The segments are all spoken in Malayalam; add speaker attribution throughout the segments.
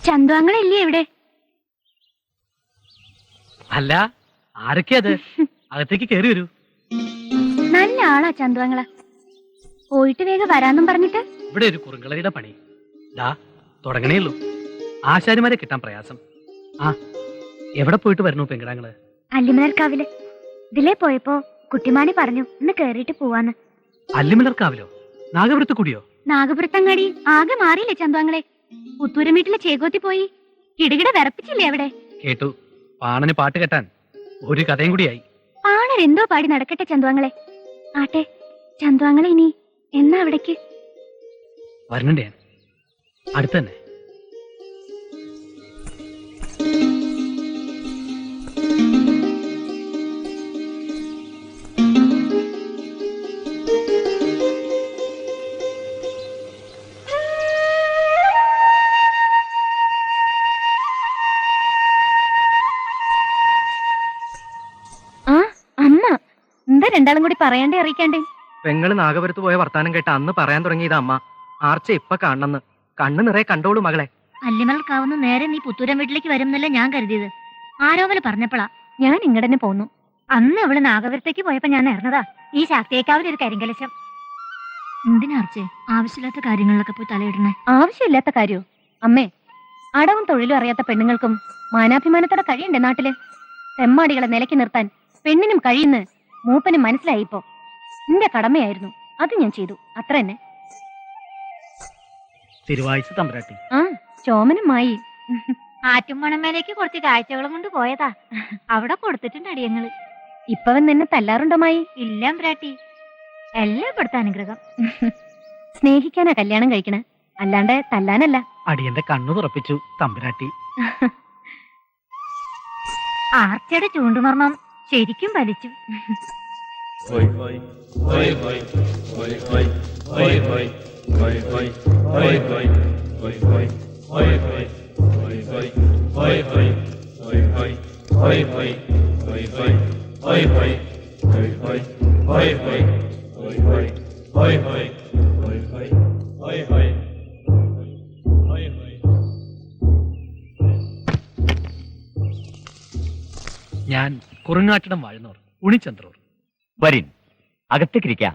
Speaker 1: ചന്തുവാങ്ങളില്ലേ ഇവിടെ?
Speaker 2: അല്ല, ആരൊക്കെയാ അത്? അകത്തേക്ക് കേറി വരൂ.
Speaker 1: നല്ല ആളാ ചന്തുവാങ്ങള. പോയിട്ട് വേഗം വരാന്നും പറഞ്ഞിട്ട്.
Speaker 2: ഇവിടെ ഒരു കുറുങ്കളയുടെ പണി ദാ തുടങ്ങണേയുള്ളൂ. ആശാരിമാരെ കിട്ടാൻ പ്രയാസം. ആ, എവിടെ പോയിട്ട് വരണു പെങ്കിടാങ്ങള്?
Speaker 1: അല്ലിമലർക്കാവില്. ഇതിലേ പോയപ്പോ കുട്ടിമാണി പറഞ്ഞു ഇന്ന് കേറിയിട്ട് പോവാന്ന്.
Speaker 2: അല്ലിമലർക്കാവിലോ? നാഗപുരത്ത് കൂടിയോ?
Speaker 1: നാഗപുരത്തങ്ങാടി ആകെ മാറിയില്ലേ ചന്തുവാങ്ങളെ? പുത്തൂരം വീട്ടിലെ ചേകോത്തി പോയി കിടുകിട വിറപ്പിച്ചില്ലേ അവിടെ?
Speaker 2: കേട്ടു. പാണന് പാട്ട് കെട്ടാൻ ഒരു കഥയും കൂടിയായി.
Speaker 1: പാണരെന്തോ പാടി നടക്കട്ടെ ചന്തുവാങ്ങളെ. ആട്ടെ, ചന്തുവാങ്ങളെ ഇനി എന്നാ അവിടേക്ക്?
Speaker 2: വരണുണ്ട് ഞാൻ, അടുത്ത് തന്നെ.
Speaker 1: ആ അമ്മ എന്താ രണ്ടാളും കൂടി പറയാണ്ടേ അറിയിക്കാണ്ടേ?
Speaker 3: പെങ്ങള് നാഗപുരത്ത് പോയ വർത്താനം കേട്ട അന്ന് പറയാൻ തുടങ്ങിയത് അമ്മ. ആർച്ച ഇപ്പൊ കാണണമെന്ന്. കണ്ണു നിറയെ കണ്ടോളൂ മകളെ.
Speaker 1: അല്ലിമലർക്കാവുന്ന നേരെ നീ പുത്തൂരം വീട്ടിലേക്ക് വരുന്നല്ല ഞാൻ കരുതിയത്. ആരോമല് പറഞ്ഞപ്പോളാ ഞാൻ ഇങ്ങടന്നെ പോന്നു. അന്ന് അവള് നാഗപുരത്തേക്ക് പോയപ്പോ ഞാൻ ഇറങ്ങതാ ഈ ശാക്തിയേക്കാവിലൊരു കരിങ്കലശം. എന്തിനാർച്ചേ ആവശ്യമില്ലാത്ത കാര്യങ്ങളിലൊക്കെ പോയി തലയിടണേ? ആവശ്യമില്ലാത്ത കാര്യോ അമ്മേ? അടവും തൊഴിലും അറിയാത്ത പെണ്ണുങ്ങൾക്കും മാനാഭിമാനത്തോടെ കഴിയണ്ടേ നാട്ടില്? തെമ്മാടികളെ നിലയ്ക്ക് നിർത്താൻ പെണ്ണിനും കഴിയുന്ന മൂപ്പനും മനസ്സിലായിപ്പോ. എന്റെ കടമയായിരുന്നു, അത് ഞാൻ ചെയ്തു, അത്ര തന്നെ.
Speaker 2: തിരുവാഴ്ച തമ്പരാട്ടി.
Speaker 1: ആ ചോമനുമായി ആറ്റുമണമേലേക്ക് കുറച്ച് കാഴ്ചകളും കൊണ്ട് പോയതാ. അവിടെ കൊടുത്തിട്ടുണ്ട് അടിയങ്ങള്. ഇപ്പവൻ നിന്നെ തല്ലാറുണ്ടോമായി? ഇല്ല ബ്രാട്ടി, എല്ലാം കൊടുത്ത അനുഗ്രഹം. സ്നേഹിക്കാനാ കല്യാണം കഴിക്കണ, അല്ലാണ്ട് തല്ലാനല്ല.
Speaker 2: അടിയന്റെ കണ്ണു തുറപ്പിച്ചു തമ്പരാട്ടി.
Speaker 1: ആർച്ചയുടെ ചൂണ്ടുമർമ്മം ശരിക്കും വലിച്ചു.
Speaker 2: ഞാൻ കുറുങ്ങാട്ടിടം വാഴുന്നോർ ഉണിച്ചന്ദ്രൂർ.
Speaker 4: വരിൻ, അകത്തേക്കിരിക്കാം.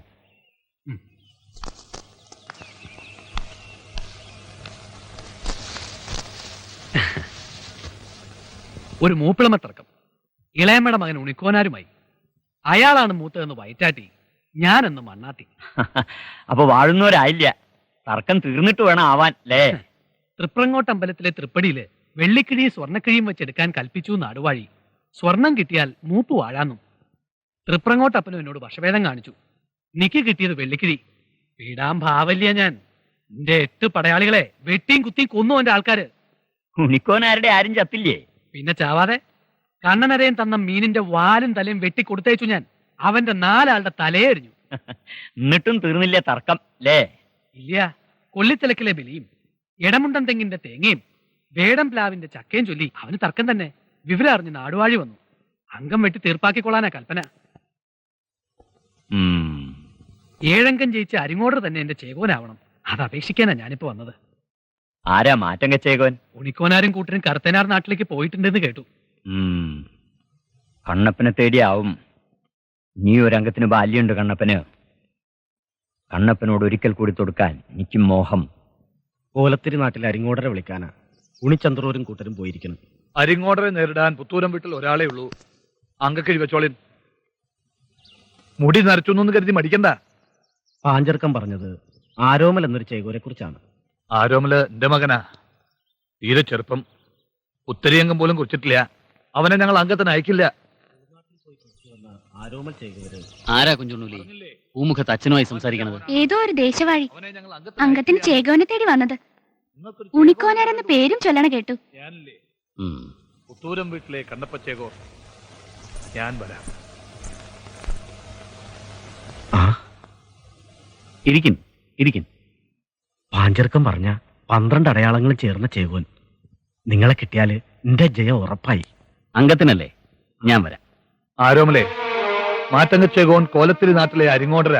Speaker 2: ഒരു മൂപ്പിളമ തർക്കം ഇളയമ്മയുടെ മകൻ ഉണിക്കോനാരുമായി. അയാളാണ് മൂത്തതെന്ന് വയറ്റാട്ടി, ഞാനെന്ന് മണ്ണാട്ടി.
Speaker 4: അപ്പൊ വാഴുന്നവരായില്ല, തർക്കം തീർന്നിട്ട് വേണം ആവാൻ അല്ലേ?
Speaker 2: തൃപ്രങ്ങോട്ട് അമ്പലത്തിലെ തൃപ്പടിയില് വെള്ളിക്കിഴിയും സ്വർണ്ണക്കിഴിയും വെച്ചെടുക്കാൻ കൽപ്പിച്ചു നാടുവാഴി. സ്വർണം കിട്ടിയാൽ മൂപ്പ് വാഴാന്നും. തൃപ്രങ്ങോട്ടപ്പനും എന്നോട് വശഭേദം കാണിച്ചു. എനിക്ക് കിട്ടിയത് വെള്ളിക്കിഴി. വീടാൻ ഭാവല്യ ഞാൻ. എന്റെ 8 പടയാളികളെ വെട്ടിയും കുത്തിയും കൊന്നു എന്റെ ആൾക്കാര്.
Speaker 4: ഉണിക്കോനാരുടെ ആരും ചത്തില്ലേ?
Speaker 2: പിന്നെ ചാവാതെ കണ്ണനരയും തന്ന മീനിന്റെ വാലും തലയും വെട്ടിക്കൊടുത്തയച്ചു ഞാൻ. അവന്റെ 4 ആളുടെ തലയെ എറിഞ്ഞു.
Speaker 4: എന്നിട്ടും തീർന്നില്ല തർക്കം അല്ലേ?
Speaker 2: ഇല്ല, കൊള്ളിത്തിലക്കിലെ ബലിയും ഇടമുണ്ടൻ തെങ്ങിന്റെ തേങ്ങയും വേടം പ്ലാവിന്റെ ചക്കയും ചൊല്ലി അവന് തർക്കം തന്നെ. വിവരം അറിഞ്ഞ് നാടുവാഴി വന്നു. അംഗം വെട്ടി തീർപ്പാക്കിക്കൊള്ളാനാ കൽപ്പന. 7 അംഗം ജയിച്ച് അരിങ്ങോടർ തന്നെ എന്റെ ചേകോനാവണം. അത് അപേക്ഷിക്കാനാ ഞാനിപ്പോ വന്നത്.
Speaker 4: ആരാ മാറ്റം കച്ചേകോൻ?
Speaker 2: ഉണിക്കോനാരും കൂട്ടരും കറുത്തനാർ നാട്ടിലേക്ക് പോയിട്ടുണ്ടെന്ന് കേട്ടു.
Speaker 4: കണ്ണപ്പനെ തേടിയാവും. നീ ഒരംഗത്തിന് ബാല്യമുണ്ട് കണ്ണപ്പന്. കണ്ണപ്പനോട് ഒരിക്കൽ കൂടി തൊടുക്കാൻ എനിക്ക് മോഹം.
Speaker 3: കോലത്തിരി നാട്ടിൽ അരിങ്ങോടരെ വിളിക്കാനാ ഉണിച്ചന്ദ്രൂരും കൂട്ടരും പോയിരിക്കണം.
Speaker 5: അരിങ്ങോടരെ നേരിടാൻ പുത്തൂരം വീട്ടിൽ ഒരാളേ ഉള്ളൂ. അങ്കക്കിഴി വെച്ചോളിൻ. മുടി നരച്ചൊന്നു കരുതി മടിക്കണ്ട.
Speaker 3: പാഞ്ചർക്കം പറഞ്ഞത് ആരോമൽ എന്നൊരു ചേകോരെ കുറിച്ചാണ്.
Speaker 5: ആരോമല് എന്റെ മകനാ, തീരെ ചെറുപ്പം. ഉത്തരിയംഗം പോലും കുറിച്ചിട്ടില്ല. അവനെ ഞങ്ങൾ അംഗത്തിന് അയക്കില്ല.
Speaker 3: ആരോമൽ ചേകോര്
Speaker 6: ആരാ കുഞ്ചുണ്ണൂലി പൂമുഖത്ത് അച്ഛനുമായി സംസാരിക്കണത്?
Speaker 1: ഏതോ ഒരു ദേശവാഴി അംഗത്തിന് ചേകോനെ തേടി വന്നത്. ഉണിക്കോനാരെന്ന പേരും ചൊല്ലണ കേട്ടു.
Speaker 5: പുത്തൂരം വീട്ടിലെ കണ്ണപ്പച്ചേകോ, ഞാൻ വരാം.
Speaker 4: ഇരിക്കും ഇരിക്കും.
Speaker 3: പാഞ്ചർക്കം പറഞ്ഞ 12 അടയാളങ്ങളും ചേർന്ന ചേകോൻ. നിങ്ങളെ കിട്ടിയാല് എന്റെ ജയം ഉറപ്പായി.
Speaker 4: അംഗത്തിനല്ലേ? ഞാൻ വരാം.
Speaker 5: ആരോമലേ, മാറ്റങ്ങച്ചേകോൻ കോലത്തിരി നാട്ടിലെ അരിങ്ങോടരാ.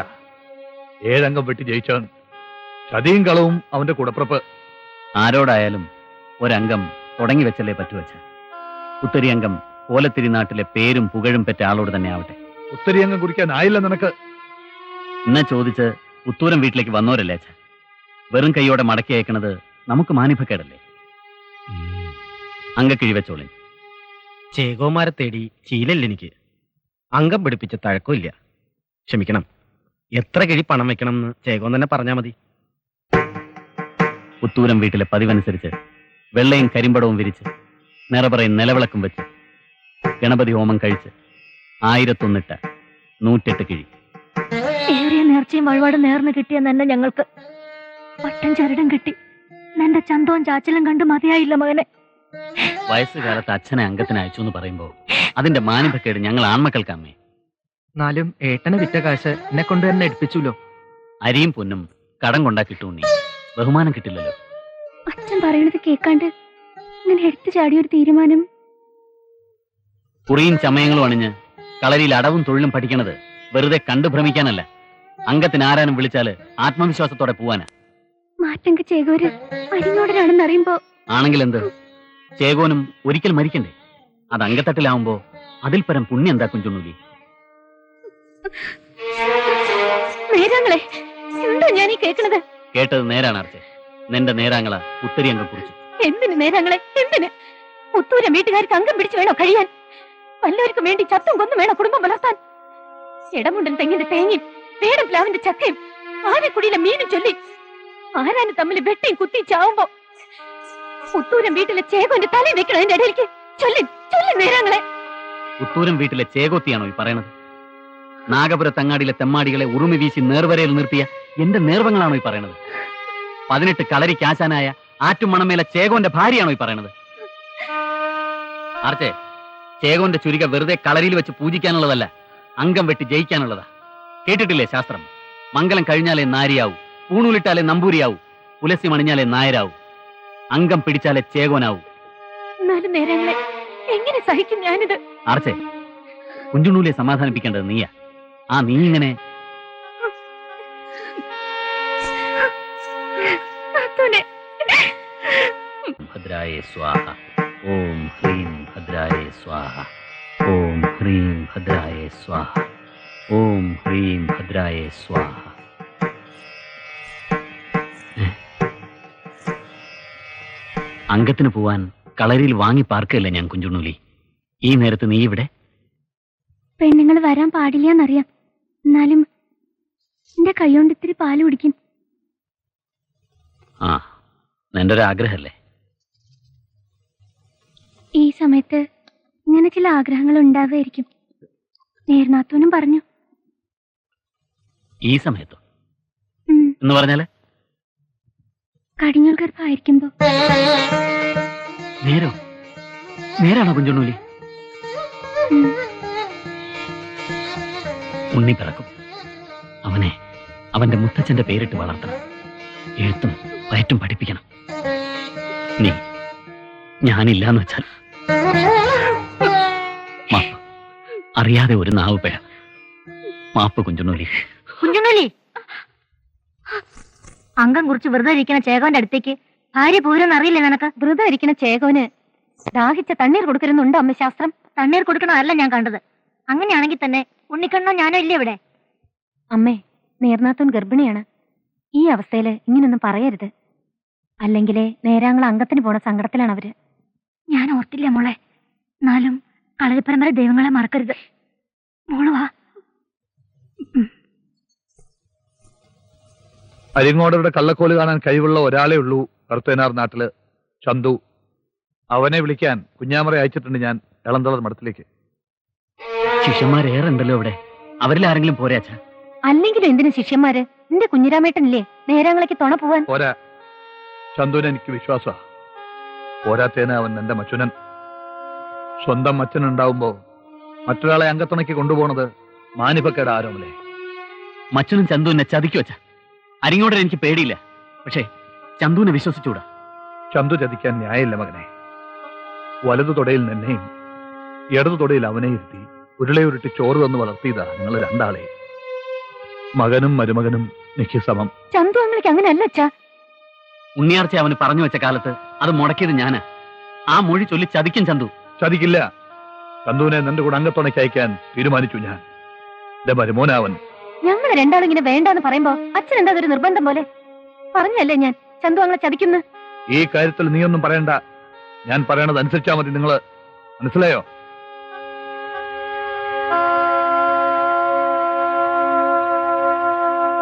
Speaker 5: 7 അംഗം വെട്ടി ജയിച്ചവൻ. ചതിയും കളവും അവന്റെ കൂടപ്പിറപ്പ്.
Speaker 4: ആരോടായാലും
Speaker 6: ഒരംഗം തുടങ്ങി വെച്ചല്ലേ പറ്റു വെച്ച. ഉത്തരി അംഗം കോലത്തിരി നാട്ടിലെ പേരും പുകഴും പെറ്റ ആളോട് തന്നെ ആവട്ടെ.
Speaker 5: ഉത്തരിയംഗം കുറിക്കാൻ ആയില്ല നിനക്ക്.
Speaker 6: എന്നാ ചോദിച്ച് പുത്തൂരം വീട്ടിലേക്ക് വന്നോരല്ലേ അച്ഛ. വെറും കൈയോടെ മടക്കി അയക്കണത് നമുക്ക് മാനിഭക്കേടല്ലേ. അങ്കക്കിഴി വെച്ചോളി.
Speaker 3: ചേകോമാരെ തേടി ശീലല്ല എനിക്ക്. അംഗം പിടിപ്പിച്ച തഴക്കമില്ല. ക്ഷമിക്കണം. എത്ര കിഴി പണം വെക്കണം എന്ന് ചേകോൻ തന്നെ പറഞ്ഞാൽ മതി.
Speaker 6: പുത്തൂരം വീട്ടിലെ പതിവനുസരിച്ച് വെള്ളയും കരിമ്പടവും വിരിച്ച് നിറപറയും നിലവിളക്കും വെച്ച് ഗണപതി ഹോമം കഴിച്ച് 1001 108 കിഴി.
Speaker 1: ഏറിയ നേർച്ചയും വഴിപാട് നേർന്ന് കിട്ടിയ തന്നെ ഞങ്ങൾക്ക് പട്ടം ചരടും കിട്ടി. നിന്റെ ചന്തവും ചാച്ചലും കണ്ട് മതിയായില്ല മകനെ.
Speaker 6: വയസ്സുകാലത്ത് അച്ഛനെ അംഗത്തിന് അയച്ചു എന്ന് പറയുമ്പോ അതിന്റെ മാനിഭക്കേട് ഞങ്ങൾ ആൺമക്കൾക്ക് അമ്മേ.
Speaker 7: എന്നാലും ഏട്ടനെ വിറ്റ കാശ് എന്നെ കൊണ്ട് തന്നെ എടുപ്പിച്ചുല്ലോ.
Speaker 6: അരിയും പൊന്നും കടം കൊണ്ടാ കിട്ടൂണ്ണി, ബഹുമാനം കിട്ടില്ലല്ലോ.
Speaker 1: അച്ഛൻ പറയണത് കേൾക്കാണ്ട് ഇങ്ങനെ എടുത്തു ചാടിയൊരു തീരുമാനം.
Speaker 6: കുറിയും ചമയങ്ങളും അണിഞ്ഞ് കളരിയിൽ അടവും തൊഴിലും പഠിക്കണത് വെറുതെ കണ്ടു ഭ്രമിക്കാനല്ല. അംഗത്തിന് ആരാനും വിളിച്ചാല് ആത്മവിശ്വാസത്തോടെ പോവാനാ.
Speaker 1: മാറ്റങ്ക ചേകോര് അരിഞ്ഞോടനാണെന്ന് അറിയുമ്പോ
Speaker 6: ആണെങ്കിൽ എന്ത്, ചേകോനും ഒരിക്കൽ മരിക്കണ്ടേ? അത് അങ്കത്തട്ടിലാവുമ്പോ അതിൽ പരം പുണ്യം എന്താ കുഞ്ചുണ്ണൂലി?
Speaker 1: നേരങ്ങളെ എന്തോ ഞാൻ ഈ കേൾക്കണത്?
Speaker 6: കേട്ടത് നേരാണ് അർച്ചെ. നിന്റെ നേരാങ്ങള ഉത്തരി അംഗം കുറിച്ചു.
Speaker 1: എന്തിന് നേരങ്ങളെ, എന്തിന്? പുത്തൂരം വീട്ടുകാർക്ക് അംഗം പിടിച്ചു വേണോ കഴിയാൻ? വല്ലവർക്കും വേണ്ടി ചത്തും കൊന്നും വേണോ കുടുംബം വളർത്താൻ? ഇടമുണ്ടൻ തെങ്ങിന്റെ തേങ്ങയും വേടം പ്ലാവിന്റെ ചക്കയും ആനക്കുടിയിലെ മീനും ചൊല്ലി ആരാനും തമ്മിൽ വെട്ടിയും കുത്തി ചാവുമ്പോ പുത്തൂരം വീട്ടിലെ ചേകോന്റെ തല വെക്കണം അതിന്റെ ഇടയിലേക്ക്. ചൊല്ലി നേരങ്ങളെ.
Speaker 6: പുത്തൂരം വീട്ടിലെ ചേകോത്തിയാണോ ഈ പറയണത്? നാഗപുരത്തങ്ങാടിയിലെ തെമ്മാടികളെ ഉറുമി വീശി നേർവരയിൽ നിർത്തിയ എന്റെ നേർവങ്ങളാണോ ഈ പറയണത്? 18 കളരിക്കാശാനായ ആറ്റുമണമേലെ ചേകോന്റെ ഭാര്യയാണോ ഈ പറയണത്? ആർച്ചേ, ചേകോന്റെ ചുരിക വെറുതെ കളരിയിൽ വെച്ച് പൂജിക്കാനുള്ളതല്ല, അംഗം വെട്ടി ജയിക്കാനുള്ളതാ. കേട്ടിട്ടില്ലേ ശാസ്ത്രം? മംഗലം കഴിഞ്ഞാലേ നാരിയാവൂ, പൂണൂലിട്ടാലേ നമ്പൂരിയാവൂ, പുലസി മണിഞ്ഞാലേ നായരാവൂ, അംഗം പിടിച്ചാലേ ചേകോനാവൂ.
Speaker 1: എന്നാലും നേരങ്ങളെ എങ്ങനെ സഹിക്കും ഞാനിത്?
Speaker 6: ആർച്ചേ, കുഞ്ചുണ്ണൂലിയെ സമാധാനിപ്പിക്കേണ്ടത് നീയാ. ആ നീ ഇങ്ങനെ ഭദ്രായ സ്വാഹ ഓം ഹ്രീം ഭദ്രായ സ്വാഹ ഓം ഹ്രീം ഭദ്രായ സ്വാഹ ഓം ഹ്രീം ഭദ്രായ സ്വാഹ. അംഗത്തിന് പോവാൻ കളരിയിൽ വാങ്ങി പാർക്കല്ലേ ഞാൻ കുഞ്ചുണ്ണൂലി. ഈ നേരത്ത് നീ ഇവിടെ?
Speaker 1: പെണ്ണുങ്ങൾ വരാൻ പാടില്ലെന്നറിയാം. എന്നാലും എന്റെ കൈകൊണ്ട് ഇത്തിരി പാല് കുടിക്കും.
Speaker 6: ആ, നിന്റെ ഒരു ആഗ്രഹല്ലേ?
Speaker 1: ഈ സമയത്ത് ഇങ്ങനെ ചില ആഗ്രഹങ്ങൾ ഉണ്ടാവുമായിരിക്കും. നേർനാത്തൂനും പറഞ്ഞു.
Speaker 6: ഈ സമയത്തോ എന്ന് പറഞ്ഞാല്?
Speaker 1: കടിഞ്ഞൂൽ ഗർഭമായിരിക്കുമ്പോ.
Speaker 6: നേരാണോ കുഞ്ചുണ്ണൂലി? ഉണ്ണി പിറക്കും. അവനെ അവന്റെ മുത്തച്ഛന്റെ പേരിട്ട് വളർത്തണം. എഴുത്തും വയറ്റും പഠിപ്പിക്കണം. നീ ഞാനില്ലാന്ന് വെച്ചാൽ മാപ്പ്. അറിയാതെ ഒരു നാവ് പിഴ. മാപ്പ് കുഞ്ചുണ്ണൂലി.
Speaker 1: കുഞ്ചുണ്ണൂലി, അംഗം കുറിച്ച് വ്രതം ഇരിക്കുന്ന ചേകോന്റെ അടുത്തേക്ക് ഭാര്യ പോരെന്ന് അറിയില്ലേ നിനക്ക്? വ്രതം ഇരിക്കുന്ന ചേകോന് ദാഹിച്ച തണ്ണീർ കൊടുക്കരുന്നുണ്ടോ അമ്മ ശാസ്ത്രം? തണ്ണീർ കൊടുക്കണമല്ല ഞാൻ കണ്ടത്. അങ്ങനെയാണെങ്കിൽ തന്നെ ഉണ്ണിക്കണ്ണോ ഞാനോ ഇല്ലേ ഇവിടെ? അമ്മേ, നേർനാത്തൂൻ ഗർഭിണിയാണ്. ഈ അവസ്ഥയില് ഇങ്ങനൊന്നും പറയരുത്. അല്ലെങ്കിലേ നേരാങ്ങൾ അംഗത്തിന് പോണ സങ്കടത്തിലാണ് അവര്. ഞാൻ ഓർത്തില്ല മോളെ. എന്നാലും കളരിപ്പരമ്പര ദൈവങ്ങളെ മറക്കരുത്. മോള് വാ.
Speaker 5: അരിങ്ങോടരുടെ കള്ളക്കോല് കാണാൻ കഴിവുള്ള ഒരാളേ ഉള്ളൂ കറുത്തേനാർ നാട്ടില്, ചന്തു. അവനെ വിളിക്കാൻ കുഞ്ഞാമറ അയച്ചിട്ടുണ്ട് ഞാൻ എളന്തളർ മഠത്തിലേക്ക്.
Speaker 6: ശിഷ്യന്മാരേറെ ഉണ്ടല്ലോ ഇവിടെ. അവരിൽ ആരെങ്കിലും പോരെ അച്ഛാ?
Speaker 1: അല്ലെങ്കിലും എന്തിനു ശിഷ്യന്മാര്? നിന്റെ കുഞ്ഞിരാമേട്ടനില്ലേ നേരാങ്ങളേക്ക് തുണ പോവാൻ?
Speaker 5: പോരാ, ചന്തുവിന് എനിക്ക് വിശ്വാസ. പോരാത്തേന് അവൻ എന്റെ മച്ചുനൻ. സ്വന്തം മച്ചനുണ്ടാവുമ്പോ മറ്റൊരാളെ അംഗത്തുണയ്ക്ക് കൊണ്ടുപോണത് മാനിപ്പക്കേട് ആരോമല്ലേ?
Speaker 6: മച്ചനും ചന്തു എന്നെ ചതിക്കു വെച്ച. അരിങ്ങോടെ എനിക്ക് പേടിയില്ല. പക്ഷേ ചന്തുവിനെ വിശ്വസിച്ചൂടാ.
Speaker 5: ചന്തു ചതിക്കാൻ ന്യായമില്ല മകനെ. വലതു തൊടയിൽ നിന്നെയും ഇടതു തൊടയിൽ അവനെ ഇരുത്തി ഉരുളയുരുട്ടി ചോറ് തന്ന് വളർത്തിയതാ നിങ്ങൾ രണ്ടാളെ. മകനും മരുമകനും എനിക്ക് സമം.
Speaker 1: ചന്തു അങ്ങൾക്ക് അങ്ങനെയല്ല അച്ഛാ.
Speaker 6: ഉണ്ണിയാർച്ച അവന് പറഞ്ഞു വെച്ച കാലത്ത് അത് മുടക്കിയത് ഞാനാ. ആ മൊഴി ചൊല്ലി ചതിക്കും ചന്തു.
Speaker 5: ചതിക്കില്ല. ചന്തുവിനെ നിന്റെ കൂടെ അംഗത്തുണയ്ക്ക് അയക്കാൻ തീരുമാനിച്ചു ഞാൻ. എന്റെ മരുമോനാവൻ.
Speaker 1: ഞങ്ങൾ രണ്ടാളും ഇങ്ങനെ വേണ്ടാന്ന് പറയുമ്പോ അച്ഛൻ എന്താ ഒരു നിർബന്ധം പോലെ പറഞ്ഞല്ലേ ഞാൻ ചന്തു അങ്ങനെ ചതിക്കുന്നു.
Speaker 5: ഈ കാര്യത്തിൽ നീയൊന്നും പറയണ്ട. ഞാൻ പറയണത് അനുസരിച്ചാ മതി. നിങ്ങള് മനസ്സിലായോ?